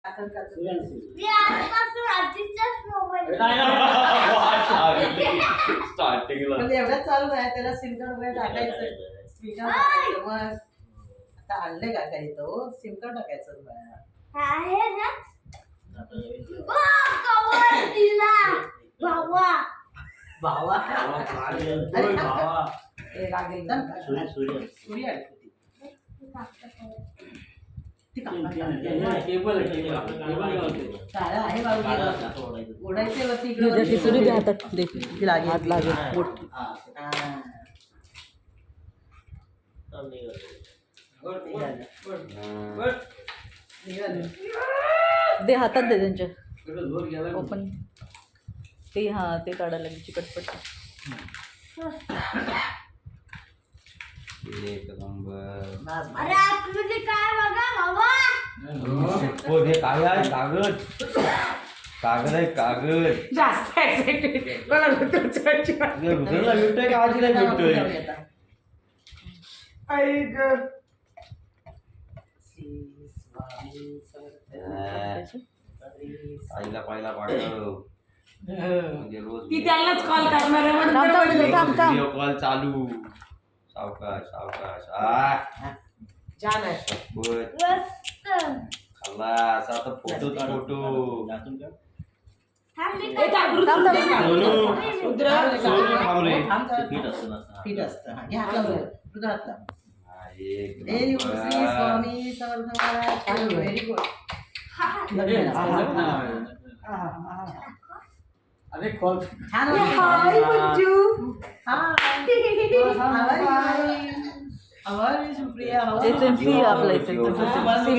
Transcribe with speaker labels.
Speaker 1: मी आजपासून आजीच्याच मोबाईल
Speaker 2: स्टार्टिंगला
Speaker 3: म्हणजे एवढंच चालू आहे त्याला सिम कार्ड वगैरे टाकायचं स्पीकर टाकायचं मग आता आणले का काही तो सिम कार्ड टाकायचं बघ.
Speaker 1: आहे ना कवर दिला भावा
Speaker 3: भावा
Speaker 2: अरे भावा
Speaker 3: हे लागेल ना
Speaker 2: सूर्य
Speaker 3: सूर्य आहे ती. ती
Speaker 2: केबल
Speaker 3: सारं आहे बाबू उडायचे वरती
Speaker 4: दे ती सुरी दे हातात दे
Speaker 3: ती लागेल.
Speaker 4: हात लागेल मोठी
Speaker 3: हा. निघालं.
Speaker 4: दे हातात दे त्यांच्या ओपन ते हा ते काढायला लागेल चिकटपट
Speaker 2: एक नंबर
Speaker 3: बस, बस.
Speaker 1: अरे आतमध्ये काय बघा भावा
Speaker 2: हो हे काय आहे कागद कागद आहे कागद
Speaker 3: जास्त एक्साइटेड मला ऋतूची
Speaker 2: रुद्रला भेटतोय का आजीला भेटतोय
Speaker 3: आई ग श्री स्वामी समर्थ.
Speaker 2: आईला पाहिला पाठव म्हणजे रोज
Speaker 3: ती त्यालाच कॉल करणार आहे म्हणून
Speaker 4: थांब,
Speaker 3: तर
Speaker 4: थांब,
Speaker 3: म्हणली.
Speaker 4: थांब, थांब.
Speaker 2: व्हिडिओ कॉल चालू सावकाश सावकाश
Speaker 3: छान आहे
Speaker 2: बस
Speaker 1: मस्त
Speaker 2: खलास आता फोटो फोटो
Speaker 1: थांब मी
Speaker 3: ए, थांब, ऋतू,
Speaker 4: थांब, थांब.
Speaker 3: थांब. रुद्र,
Speaker 2: सोनू, थांब रे.
Speaker 3: थांब, थांब.
Speaker 2: पीठ असतं ना.
Speaker 3: पीठ असतं हा, घे हातला बरं. रुद्र हातला.
Speaker 2: हा, एक
Speaker 3: very good
Speaker 2: number.
Speaker 3: Shri Swami Samarth Maharaj very good
Speaker 2: अरे कॉल
Speaker 3: छान हाय मंजू हाय हाय सुप्रिया
Speaker 4: ते सिम आपलं इथे